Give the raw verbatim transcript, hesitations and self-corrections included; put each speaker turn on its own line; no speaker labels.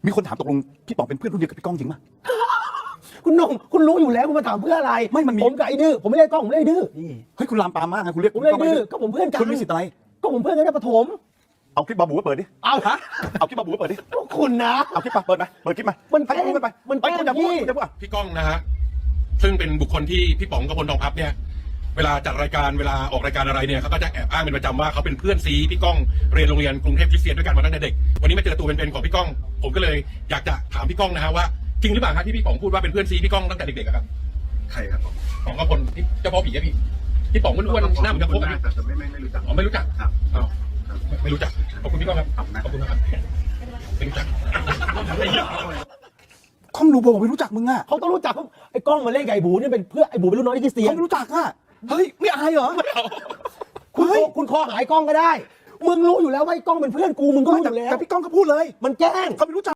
มีคนถามตกลงพี่ป๋องเป็นเพื่อนรุ่นเดียวกับพี่ก้องจริงป่ะ
คุณนงคุณรู้อยู่แล้วคุณมาถามเพื่ออะไร
ไม่มันมี
ผมกับไอ้ดื้อผมไม่ได้กล้องผมไม่ได้ดื้อ
เฮ้ยคุณลามปามมากนะคุณเรียก
ผมไม่ได้ดื้อก็ผมเพื่อนกัน
คุณมีสิทธิ์อะไร
ก็ผมเพื่อนกันในประถม
เอาคลิปบาบูมาเปิดดิ
เอาฮะ
เอาคลิปบาบูมาเปิดดิ
คุณนะ
เอาคลิปมาเปิดไหมเปิดคลิปมา
มัน
ให้พูดไป
มัน
ไปคุณอย่าพูดคุณอย่าพูด
พี่ก้องนะฮะซึ่งเป็นบุคคลที่พี่ป๋องกับพลทองพับเนี่ยเวลาจัดรายการเวลาออกรายการอะไรเนี่ยเขาก็จะแอบอ้างเป็นประจำว่าเขาเป็นเพื่อนซีพี่ก้องเรียนโรงเรียนกรุงเทพคริสเตียนด้วยกันมาตั้งแต่เด็กวันนี้มาเจอตัวเป็นๆของพี่ก้องผมก็เลยอยากจะถามพี่ก้องนะฮะว่าจริงหรือเปล่าครับที่พี่ป๋องพูดว่าเป็นเพื่อนซีพี่ก้องตั้งแต่เด็กๆครับ
ใครครับผม
ของกับพลเจ้าพ่อผีอะพี่พี่ป๋องอ้วนๆหน้าเหมือนกับพวกนะ
แต่ไม่ไม่ไม่รู้จัก
อ๋อไม่รู้จัก
ครับ
อ๋อไม่รู้จักขอบคุณพี่ก้องครับขอบคุณนะครับไม่รู้จัก
ก้องดูบอกไม่รู้จักมึงอ่ะ
เขาต้องรู้จักไอ้กล้องมาเล่นไก่บูนี่เป็นเพื่อไอ้บูเป็นรุ่นน้องที่คริสเตียน
เขาไม่รู้จักอ่ะเฮ้ยไม่อายเหรอ
คุณคุณคอหายกล้องก็ได้มึงรู้อยู่แล้วว่าไอ้กล้องเป็นเพื่อนกูมึงก็รู้อยู่แล้ว
แต่พี่ก้องก็พูดเลย
มันแกล้ง
เขาไม่รู้จัก